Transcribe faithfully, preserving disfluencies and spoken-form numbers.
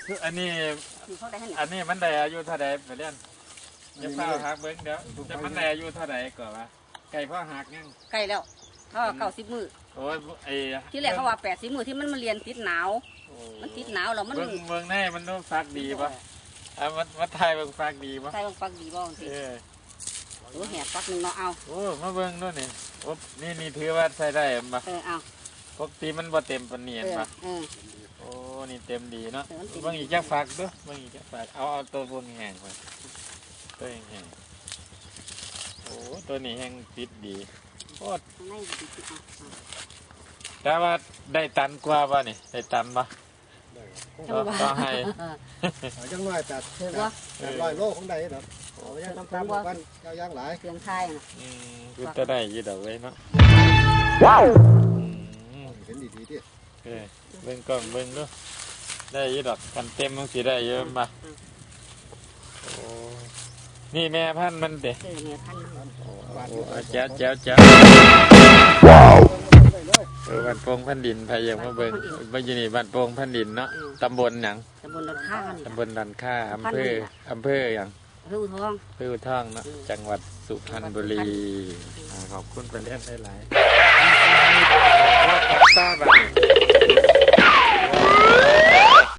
อันนี้อันนี้มันได้อายุเท่าใดไปเรียนจะเฝ้าหักเบิ้งเดี๋ยวจะมันได้อายุเท่าใดก่อนวะไก่พ่อหักยังไก่แล้วเขาเก้าสิบมือโอ้ยไอ้ที่แรกเขาว่าแปดสิบมือที่มันมาเรียนติดหนาวมันติดหนาวแล้วมันเบิ้งเบิ้งแน่มันต้องฟักดีปะอ่ะมันมันไทยเบิ้งฟักดีปะไทยเบิ้งฟักดีบ้างสิโอ้แหบฟักหนึ่งเนาะเอาโอ้มาเบิ้งด้วยนี่โอ้นี่นี่ถือว่าใช้ได้ปะเออเอาปกติมันบ่เต็มปนเนียนปะโอ้นี่เต็มดีเนาะเบิ้งอีกจะฟักด้วยเบิ้งอีกจะฟักเอาเอาตัวบนแห้งไปตัวแห้งโอ้ตัวนี้แห้งติดดีโอ้แต่ว่าได้ตันกว่าป่ะนี่ได้ตันป่ะต้องให้จังหน่อยแต่ลอยโลของใดเนาะโอ้ยน้ำตาลกันเจ้าย่างหลายเครื่องไทยนะอืมกูจะได้ยี่ดอกไว้เนาะว้าวเห็นดีๆดิเออเบิ่งก่อนเบิ่งด้วยได้ยี่ดอกกันเต็มมันสิได้เยอะมาโอ้นี่แม่พันธุ์มันเด็ดแจ๋วแจ๋วแจ๋วเออบ้านโป่งพันดินพายยังมาเบิ่งบ้านยี่นี่บ้านโป่งพันดินเนาะตำบลหยังตำบลดันค่าตำบลดันค่าอำเภออำเภออย่างอำเภออุทองอำเภออุทองเนาะจังหวัดสุพรรณบุรีขอบคุณไปเล่นได้หลายว่าของตาบ้าน